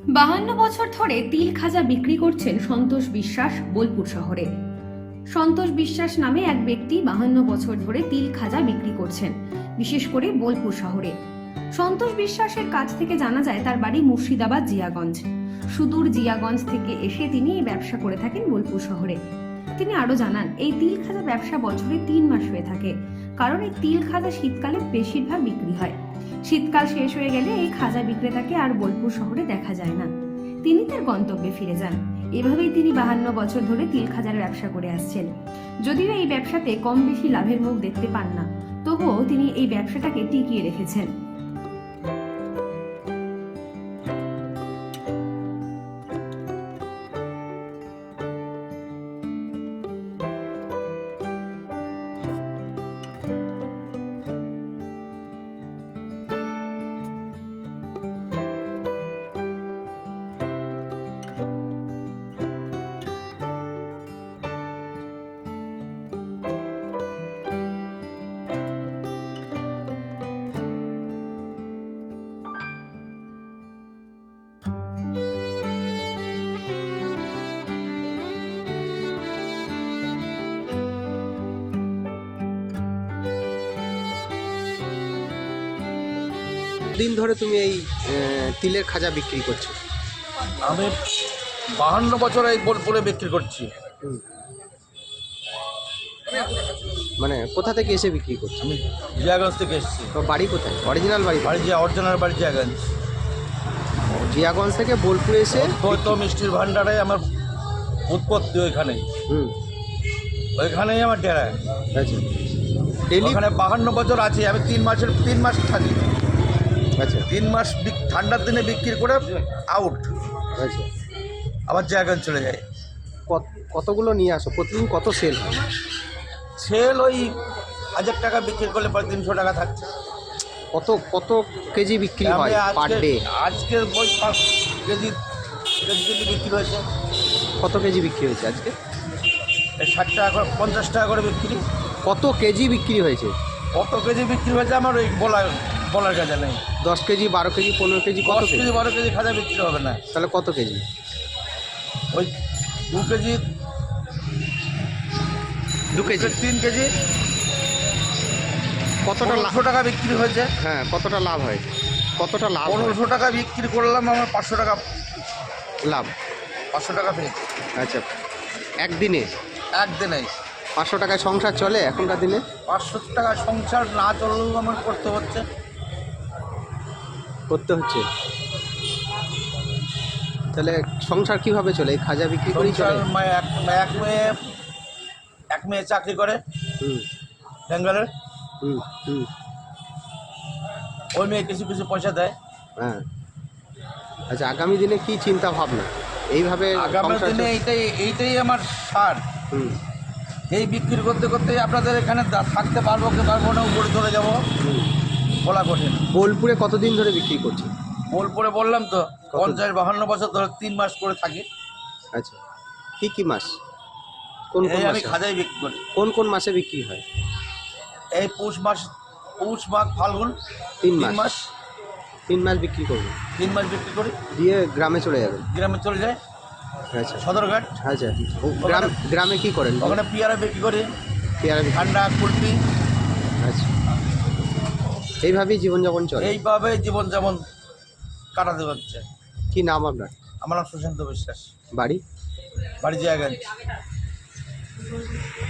52 বছর ধরে তিল খাজা বিক্রি করছেন সন্তোষ বিশ্বাস বোলপুর শহরে। সন্তোষ বিশ্বাস নামে এক ব্যক্তি 52 বছর ধরে তিল খাজা বিক্রি করছেন, বিশেষ করে বোলপুর শহরে। সন্তোষ বিশ্বাসের কাছ থেকে জানা যায় তার বাড়ি মুর্শিদাবাদ জিয়াগঞ্জ। সুদূর জিয়াগঞ্জ থেকে এসে তিনি এই ব্যবসা করে থাকেন বোলপুর শহরে। তিনি আরো জানান, এই তিল খাজা ব্যবসা বছরে 3 মাস হয়ে থাকে, কারণ এই তিল খাজা শীতকালে বেশিরভাগ বিক্রি হয়। শীতকাল শেষ হয়ে গেলে এই খাজা বিক্রেতাকে আর বোলপুর শহরে দেখা যায় না। তিনি তার গন্তব্যে ফিরে যান। এভাবেই তিনি 52 বছর ধরে তিল খাজার ব্যবসা করে আসছেন। যদিও এই ব্যবসাতে কম বেশি লাভের মুখ দেখতে পান না, তবুও তিনি এই ব্যবসাটাকে টিকিয়ে রেখেছেন। দিন ধরে তুমি এই তিলের খাজা বিক্রি করছো? আমি 52 বছর এই বোলপুরে বিক্রি করছি। মানে কোথা থেকে এসে বিক্রি করছো? আমি জিয়াগঞ্জ থেকে এসেছি। তো বাড়ি কোথায়? অরিজিনাল বাড়ি? বাড়ি অরিজিনাল বাড়ি জিয়াগঞ্জ। জিয়াগঞ্জ থেকে বোলপুরে এসে তো মিষ্টির ভান্ডারে আমার উৎপত্তি ওইখানেই। ওইখানেই আমার ডেরা। আচ্ছা, ডেলি ওখানে 52 বছর আছি আমি। 3 মাস থাকি। আচ্ছা 3 মাস ঠান্ডার দিনে বিক্রি করে আউট, আচ্ছা। আবার জিয়াগঞ্জ চলে যায়। কতগুলো নিয়ে আসো? প্রতিদিন কত সেল হয়? সেল ওই 1000 টাকা বিক্রি করলে পরে 300 টাকা থাকছে। কত কত কেজি বিক্রি হয় পার ডে? আজকে ওই 5 কেজি বিক্রি হয়েছে। কত কেজি বিক্রি হয়েছে আজকে? 60 টাকা করে, 50 টাকা করে বিক্রি। কত কেজি বিক্রি হয়েছে? কত কেজি বিক্রি হয়েছে আমার ওই বলার কাজে নেই। 10 কেজি, 12 কেজি, 15 কেজি? কত 10 কেজি 12 কেজি খাজা বিক্রি হবে না। তাহলে কত কেজি? ওই 2 কেজি, 2 কেজি, 3 কেজি। কতটা লাভ? 1500 টাকা বিক্রি হয়েছে। হ্যাঁ, কতটা লাভ হয়? কতটা লাভ হয়? 1500 টাকা বিক্রি করলাম, আমার 500 টাকা লাভ। 500 টাকা পেয়েছি আচ্ছা, একদিনে একদিনে। 500 টাকায় সংসার চলে এখনকার দিনে? 500 টাকা সংসার না চললেও আমার করতে হচ্ছে। তাহলে সংসার কিভাবে চলে? এই খাজা বিক্রি করেই চলে? এক মেয়ে চাকরি করে হুম বেঙ্গলের। হুম হুম ওই মেয়ে কিছু কিছু পয়সা দেয়। হ্যাঁ। আচ্ছা, আগামী দিনে কি চিন্তা ভাবনা? এইভাবে আগামী সংসার দিনে এইটাই আমার সার। হুম এই বিক্রি করতে করতে আপনাদের এখানে থাকতে পারবো কি পারবো না, উপরে চলে যাবো, হুম। বলা কঠিন। বোলপুরে কতদিন ধরে বিক্রি করছে? বোলপুরে বললাম তো, কত? 52 বছর ধরে 3 মাস করে থাকি। আচ্ছা, কি কি মাস? কোন কোন এই আমি মাসে? খাজাই বিক্রি করি। কোন কোন মাসে বিক্রি হয়? এই পৌষ মাঘ ফাল্গুন 3 3 মাস। 3 মাস বিক্রি করবে, 3 মাস বিক্রি করি, দিয়ে গ্রামে চলে যাবেন? গ্রামে চলে যায় আচ্ছা সদরঘাট। আচ্ছা, গ্রামে কি করেন? ওখানে পেয়ারা বিক্রি করি, পেয়ারা বিক্রি? ঠান্ডা কুলপি। আচ্ছা, এইভাবেই জীবনযাপন চলে? এইভাবে জীবন যেমন কাটাতে হচ্ছে। কি নাম আপনার? আমার নাম সুশান্ত বিশ্বাস। বাড়ি? বাড়ি জিয়াগঞ্জ।